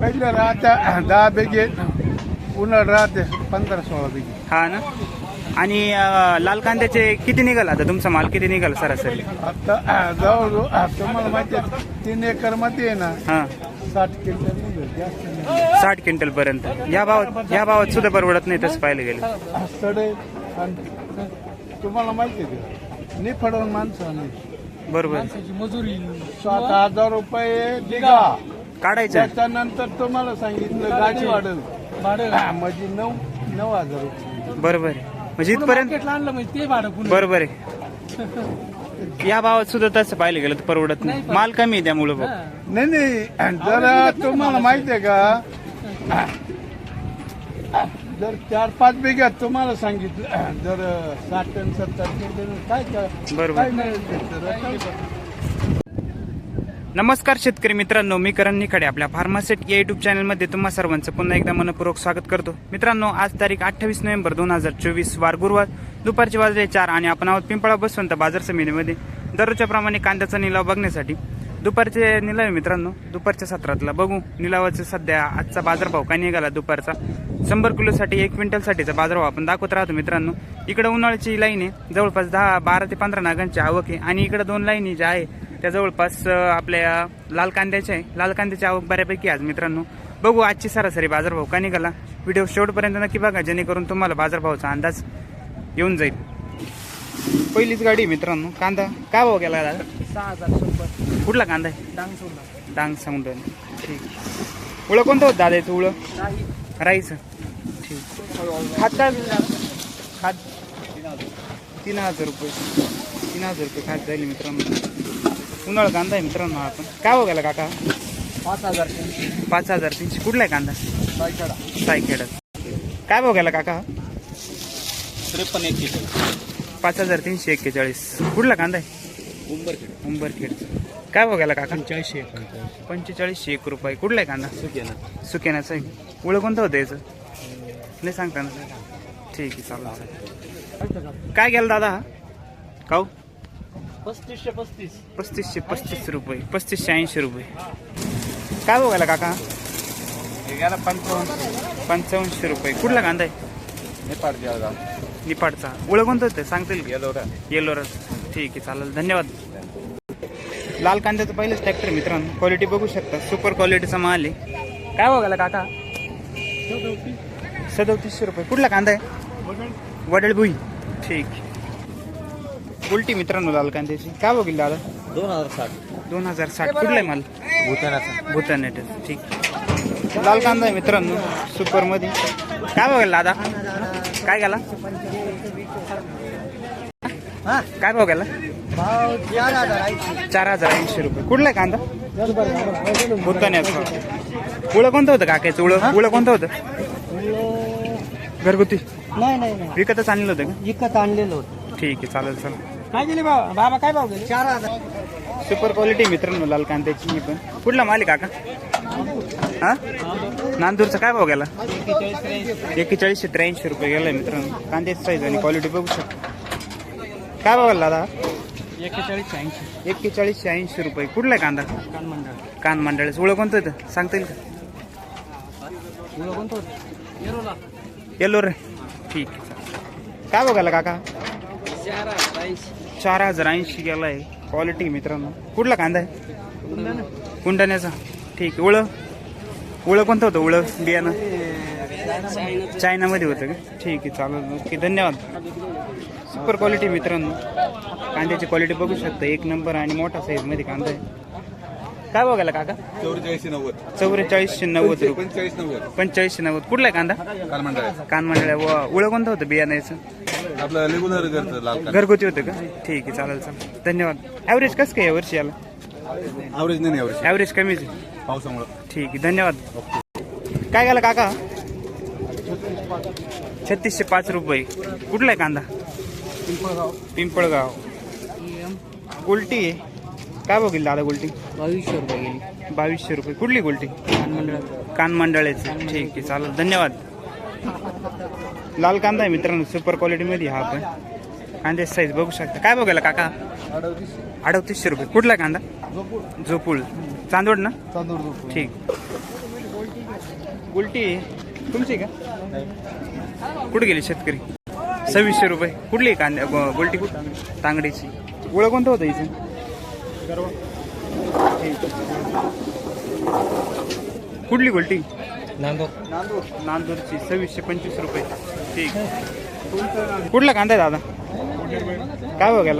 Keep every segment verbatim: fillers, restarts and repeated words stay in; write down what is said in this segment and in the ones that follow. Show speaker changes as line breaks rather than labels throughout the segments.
पहिल्या राहत्या दहा बेगे, उन्हाळ राहते पंधरा सोळा बेगे.
हा ना. आणि अं, लाल कांद्याचे किती निघाल आता तुमचा माल किती निघाल सरासरी?
आता जवळ तुम्हाला माहिती आहे तीन एकर मध्ये आहे ना
हा
साठ क्विंटल निघेल, जास्त नाही.
साठ क्विंटल पर्यंत. या भावात या भावात सुद्धा परवडत नाही तसं पाहिलं गेलं.
सडे आणि तुम्हाला माहिती आहे निफडवून माणसं नाही.
बरोबर.
मजुरी सात हजार रुपये दिगा
काढायचं.
त्याच्यानंतर तुम्हाला सांगितलं गाडी वाढेल म्हणजे नऊ नऊ हजार रुपये.
बरोबर आहे. म्हणजे इथपर्यंत
आणलं म्हणजे ते भाडं.
बरोबर आहे. या भावात सुद्धा तसं पाहिलं गेलं तर परवडत नाही. माल कमी आहे त्यामुळं भाऊ.
नाही नाही जर तुम्हाला माहिती आहे का जर चार पाच बिघ्यात तुम्हाला सांगितलं जर साठ टन सत्तर टन काय
बरोबर.
काय मिळेल ते तर.
नमस्कार शेतकरी मित्रांनो, मी करण निखाडे आपल्या फार्मासेट या युट्यूब चॅनलमध्ये तुम्हा सर्वांचं पुन्हा एकदा मनपूर्वक स्वागत करतो. मित्रांनो, आज तारीख अठ्ठावीस नोव्हेंबर दोन हजार चोवीस वार गुरुवार, दुपारचे वाजले चार आणि आपण आहोत पिंपळा बसवंत बाजार समितीमध्ये दररोजच्या प्रमाणे कांद्याचा निलाव बघण्यासाठी. दुपारचे निलाव आहे मित्रांनो, दुपारच्या सत्रातला बघू निलावाचं सध्या आजचा बाजारभाव काय निघाला दुपारचा. शंभर किलोसाठी एक क्विंटलसाठीचा बाजारभाव आपण दाखवत राहतो मित्रांनो. इकडे उन्हाळ्याची लाईन आहे, जवळपास दहा बारा ते पंधरा नागांची आवक आहे आणि इकडे दोन लाईनी ज्या आहे त्या जवळपास आपल्या लाल कांद्याच्या आहे. लाल कांद्याची आवक बऱ्यापैकी आज मित्रांनो. बघू आजची सरासरी बाजारभाव काय निघाला. व्हिडिओ शेवटपर्यंत नक्की बघा जेणेकरून तुम्हाला बाजारभावाचा अंदाज येऊन जाईल. पहिलीच गाडी मित्रांनो. कांदा काय भाव गेला दादा?
सहा हजार शंभर.
कुठला कांदा आहे?
डांग सोडला.
डांग सांगून ठीक. उळं कोणतं होतं दादा याचं? उळं राईचं. ठीक. खात काय खात तीन हजार रुपये तीन हजार रुपये खात जाईल मित्रांनो. उन्हाळा कांदा आहे मित्रांनो. आपण काय भाव गेला काका?
पाच हजार
पाच हजार तीनशे. कुठला आहे कांदा?
सायकडा.
सायखेडा. काय भाव गेला काका?
त्रेपन्न एक्केचाळीस.
पाच हजार तीनशे एक्केचाळीस. कुठला कांदा आहे?
उंबरखेड.
उंबरखेड. काय भाव गेला काका?
पंच्याऐंशी
पंचेचाळीसशे एक रुपये. कुठला आहे कांदा?
सुकेना.
सुकेनाचं आहे. उळं कोणतं होतं याचं? नाही सांगता ना. ठीक आहे चालेल. काय गेला दादा हा काऊ?
पस्तीसशे पस्तीस.
पस्तीसशे पस्तीस रुपये. पस्तीसशे ऐंशी रुपये. काय भाव गेला काका?
गेला पंचावन्न
पंचावन्नशे रुपये. कुठला कांदा आहे?
नेपाळ जळगाव.
निपाडचा. उळं कोणतं होतं सांगतील का?
येलोरा.
येलोरच. ठीक आहे चालेल धन्यवाद. लाल कांद्याचं पहिलंच ट्रॅक्टर मित्रांनो. क्वालिटी बघू शकता, सुपर क्वालिटीचा माल आहे. काय भाव गेला काका? सदोतीसशे रुपये. कुठला कांदा आहे? वडळभुई. ठीक. उलटी मित्रांनो लाल कांद्याची काय भाव गेली दादा?
दोन हजार साठ.
दोन हजार साठ. कुठला आहे माल?
भूतानाचा.
भूतानेट. ठीक. लाल कांदा आहे मित्रांनो सुपर मध्ये. काय भाव गेला दादा? काय गेला? काय भाव गेला? चार हजार ऐंशी रुपये. कुठला आहे कांदा? भूतान्याचा. उळं कोणतं होतं काकायचं? उळं उळं कोणतं होतं? घरगुती.
नाही नाही
विकतच आणलेलं होतं का?
विकत आणलेलं होतं.
ठीक आहे चालेल चालेल.
काय गेले बाबा? बाबा काय भाव गेले? चार हजार.
सुपर क्वालिटी मित्रांनो लाल कांद्याची. मी पण कुठला माल आहे काका? हा नांदूरचा. काय भाव गेला? एक्केचाळीसशे त्र्याऐंशी रुपये गेलाय मित्रांनो. कांद्याची साईज आणि क्वालिटी बघू शकता. काय भाव गेला दादा?
एक्केचाळीसशे ऐंशी.
एक्केचाळीसशे ऐंशी रुपये. कुठला आहे कांदा?
कान मंडळ.
कान मंडळाचं. उळं कोणतं होतं सांगता येईल का?
कोणतं होतं? येरोला.
येलो रे. ठीक आहे. काय भाव गेला काका?
चार हजार ऐंशी.
चार हजार ऐंशी गेलाय. क्वालिटी मित्रांनो. कुठला कांदा आहे? कुंडाण्याचा. ठीक आहे. उळं उळं कोणतं होतं? उळं बियाणं चायनामध्ये होतं का? ठीक आहे चालेल. ओके धन्यवाद. सुपर क्वालिटी मित्रांनो. कांद्याची क्वालिटी बघू शकता एक नंबर आणि मोठा साईजमध्ये कांदा आहे. काय बघायला काका?
चौवेचाळीसशे नव्वद.
चौवेचाळीसशे नव्वद रुपये.
पंचेचाळीस नव्वद.
पंचेचाळीसशे नव्वद. कुठला आहे कांदा?
कानमंडळ.
कानमंडळ्या. व उळं कोणतं होतं बियाणं याचं?
आपलं रेग्युलर घरचं लाल कान.
घरगुती होतं का? ठीक आहे चालेल चालेल धन्यवाद. ॲव्हरेज कसं काय यावर्षी याला?
ॲव्हरेज नाही ॲव्हरेज.
ॲव्हरेज कमीच आहे.
पावसामुळं.
ठीक आहे धन्यवाद. काय गेला काका? छत्तीसशे पाच रुपये. कुठला आहे कांदा?
पिंपळगाव.
पिंपळगाव. गुलटी आहे. काय बघील दादा गुलटी?
बावीसशे रुपये गेली.
बावीसशे रुपये. कुठली गुलटी?
कानमंडळ.
कानमंडळाची. ठीक आहे चालेल धन्यवाद. लाल कांदा आहे मित्रांनो सुपर क्वालिटीमध्ये. हा पण कांद्याची साईज बघू शकता. काय बघायला काका? अडतीसशे रुपये. कुठला कांदा? झोपूळ. चांदवड ना?
चांदूर.
ठीक. गुलटी तुमची का? कुठे गेली शेतकरी? सव्वीसशे रुपये. कुठली आहे कांद्या गु- गुलटी कुठं? तांगडीची. ओळख कोणतं होतं इथे? ठीक. कुठली गुलटी?
नांदूर.
नांदूर. नांदूरची सव्वीसशे पंचवीस रुपये. ठीक. कुठला कांदा आहे दादा? काय बघायला?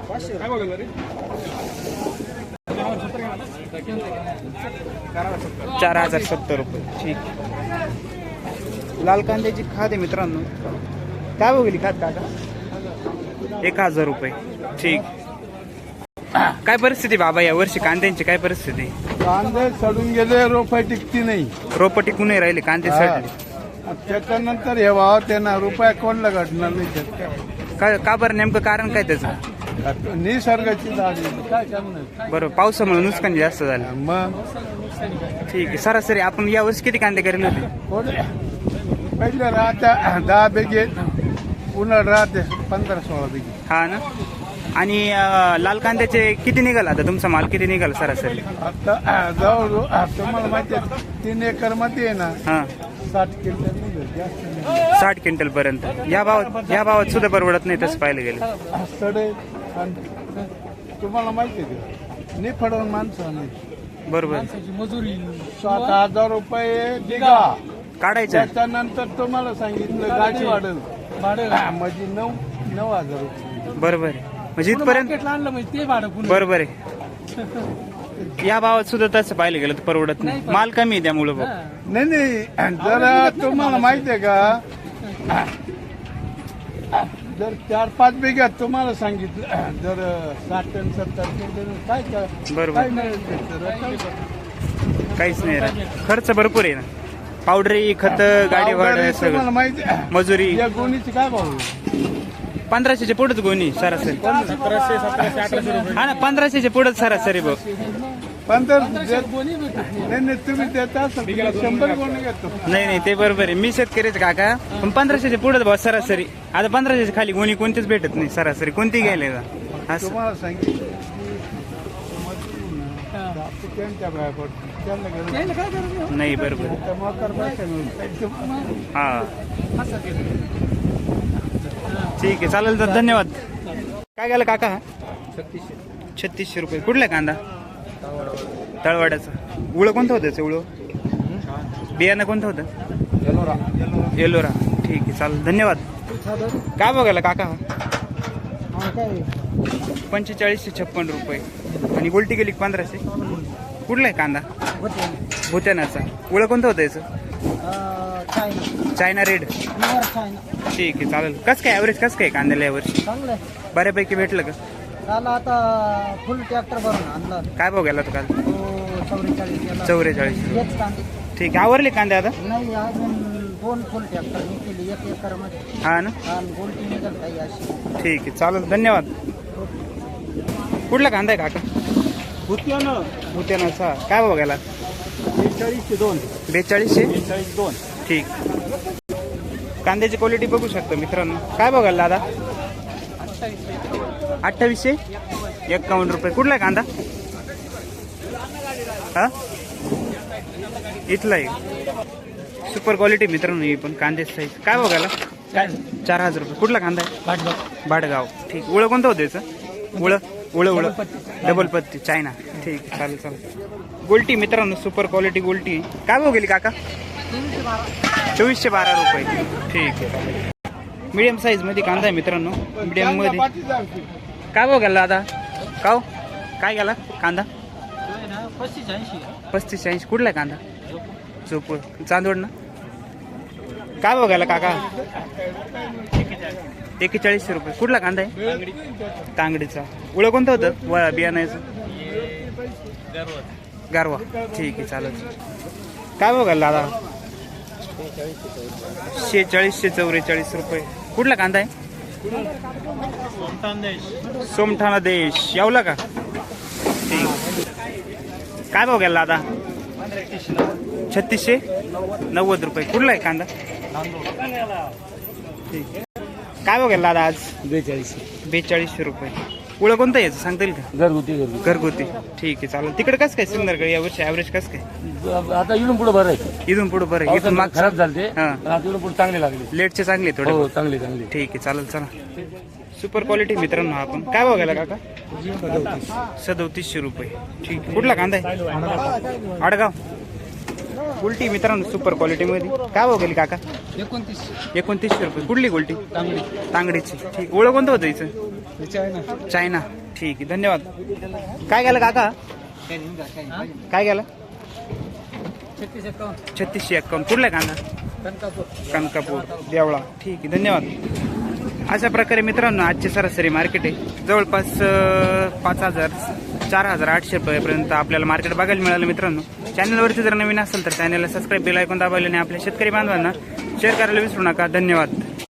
चार हजार सत्तर रुपये. ठीक. लाल कांद्याची खाद आहे मित्रांनो. काय बघली खाद काका? एक हजार रुपये. ठीक. काय परिस्थिती बाबा या वर्षी कांद्यांची काय परिस्थिती?
कांदे सडून गेले, रोपे टिकती नाही.
रोप टिकून नाही राहिले, कांदे
हा.
सडले.
त्याच्यानंतर हे भाव त्यांना रुपया कोणला घडणार नाही शेतकरी.
का का बरं नेमकं कारण काय त्याचं?
निसर्गाची झाली काय करणार.
बरोबर, पावसामुळे नुकसान जास्त झालं.
मग
ठीक आहे. सरासरी आपण या वर्षी किती कांदे करेल होते?
थोडे पहिले राहत्या दहा बेगे, उन्हाळ राहते पंधरा सोळा बेगे.
हा ना. आणि अं, लाल कांद्याचे किती निघाला आता तुमचा माल? किती निघाला सरासरी?
आता जवळ तुम्हाला माहिती आहे तीन एकर मध्ये आहे ना
हा,
साठ क्विंटल निघेल, जास्त नाही.
साठ क्विंटल पर्यंत. या भावात या भावात सुद्धा परवडत नाही तसं पाहिलं गेलं.
सडे आणि तुम्हाला माहिती आहे का निफडवून माणसं नाही.
बरोबर.
मजुरी सात हजार रुपये दिगा
काढायचं.
त्याच्यानंतर तुम्हाला सांगितलं गाडी वाढेल भाडं म्हणजे नऊ नऊ हजार रुपये.
बरोबर आहे. म्हणजे इथपर्यंत
आणलं म्हणजे ते भाडं.
बरोबर आहे. या भावात सुद्धा तसं पाहिलं गेलं तर परवडत नाही. माल कमी आहे त्यामुळं बघ.
नाही नाही जर तुम्हाला माहिती आहे का जर चार पाच बिघ्यात तुम्हाला सांगितलं जर साठ टन सत्तर टन काय काय
बरोबर.
काय मिळेल ते तर?
काहीच नाही राहत. खर्च भरपूर आहे ना. पावडरी, खत, गाडी भाडं
तुम्हाला
सगळं,
माहिती आहे
मजुरी.
या गोणीची काय भाव आहे?
पंधराशेच्या पुढेच गोणी सरासरी. हा ना, पंधराशेच्या पुढेच सरासरी बघ.
पंधरा नाही नाही तुम्ही देता असाल तर शंभर गोणी घेतो.
नाही नाही ते बरोबर आहे. मी शेतकरीच काका, पण पंधराशेच्या पुढेच बघ सरासरी. आता पंधराशेच्या खाली गोणी कोणतीच भेटत नाही सरासरी. कोणती घ्यायला का असं?
तुम्हाला सांगितलं त्यांच्या बाहेर पडतो त्यांना गरज
नाही. बरोबर.
त्या मकर पैसे मिळून
हा, ठीक आहे, चालेल. तर धन्यवाद. काय गेलं काका? छत्तीसशे रुपये. कुठला आहे कांदा? तळवाड्याचा. उळं कोणतं होतं त्याचं? उळं बियाणं कोणतं होतं? येलोरा. ठीक आहे, चालेल. धन्यवाद. काय बघायला काका? पंचेचाळीसशे छप्पन रुपये. आणि गोल्टी गेली पंधराशे. कुठला आहे कांदा? भुत्यानाचा. उळं कोणतं होतं याचं? China red. ठीक आहे, चालेल. कसं काय ॲव्हरेज कसं काय कांद्याला यावर्षी?
चांगलं आहे.
बऱ्यापैकी भेटलं का?
त्याला आता फुल ट्रॅक्टर भरून आणला
काय भाव गेला तो काल?
तो चौवेचाळीस गेला.
चौवेचाळीस.
हेच कांदे
ठीक आहे. आवरले कांदे आता?
नाही अजून दोन फुल ट्रॅक्टर मी केली एक एकर मध्ये.
हा ना.
आणि गोल्टी निघाल काही अशी.
ठीक आहे, चालेल. धन्यवाद. कुठला कांदा आहे काका? भुत्यानाचा. काय भाव गेला?
बेचाळीसशे दोन.
बेचाळीसशे
बेचाळीस दोन.
ठीक. कांद्याची क्वालिटी बघू शकतो मित्रांनो. काय बघायला दादा? अठ्ठावीसशे एक्कावन्न रुपये. कुठला आहे कांदा? हा, इथला आहे. सुपर क्वालिटी मित्रांनो ही पण कांद्याची साईज. काय बघायला? काय चार हजार रुपये. कुठला कांदा आहे? भाडगाव. ठीक. उळं कोणतं होतं याचं? उळं उळं उळं डबल पत्ती चायना. ठीक आहे, चालेल चालेल. गोल्टी मित्रांनो, सुपर क्वालिटी गोल्टी. काय भाव गेली काका? चोवीसशे बारा रुपये. ठीक आहे. मीडियम साईज मध्ये कांदा आहे मित्रांनो. मीडियम मध्ये काय भाव गेला दादा? काव काय गेला कांदा?
पस्तीस ऐंशी.
पस्तीस ऐंशी. कुठला आहे कांदा? चोपूळ चांदवड ना. काय भाव गेला काका? एक्केचाळीसशे रुपये. कुठला कांदा आहे? तांगडीचा. उळं कोणतं होतं व बियाण्याचं? गारवा. ठीक आहे, चालेल. काय भाव गेला दादा? शेहेचाळीसशे चौवेचाळीस रुपये. कुठला कांदा आहे? सोमठाणा देश. यावला का? ठीक. काय भाव गेला दादा? छत्तीसशे नव्वद रुपये. कुठला आहे कांदा? ठीक. काय भाव गेला दादा आज?
बेचाळीसशे.
बेचाळीसशे रुपये. ओळख कोणतं याचं सांगता येईल का?
घरगुती घरगुती
घरगुती ठीक आहे चालेल. तिकडे कसं काय सिंदरगड या वर्षी ॲव्हरेज कसं काय?
आता इथून पुढे बरं आहे.
इथून पुढे बरं आहे. इथून
पावसात
मागचं
खराब झाले
हा.
आता इथून पुढे चांगले लागले.
लेटचे चांगले थोडे.
हो चांगले चांगले.
ठीक आहे चालेल चला. सुपर क्वालिटी मित्रांनो आपण काय बघायला काका? सदोतीसशे रुपये ठीक आहे. कुठला कांदा आहे? आडगाव गुलटी मित्रांनो सुपर क्वालिटी मध्ये काय बघायला काका?
एकोणतीस
एकोणतीसशे रुपये. कुठली गुलटी?
चांगली
तांगडीची ठीक. ओळख कोणतं होतं हिचं? चायना ठीक आहे धन्यवाद. काय गेलं काका? काय गेलं?
छत्तीस एकावन्न
छत्तीसशे एक्कावन्न. कुठला कांदा?
कनकापूर
कनकापूर देवळा ठीक आहे धन्यवाद. अशा प्रकारे मित्रांनो आजचे सरासरी मार्केट आहे जवळपास अं, पाच हजार चार हजार आठशे रुपयापर्यंत आपल्याला मार्केट बघायला मिळालं. मित्रांनो चॅनलवरती जर नवीन असेल तर चॅनलला सबस्क्राईब बेल ऐकून दाबायला आणि आपल्या शेतकरी बांधवांना शेअर करायला विसरू नका. धन्यवाद.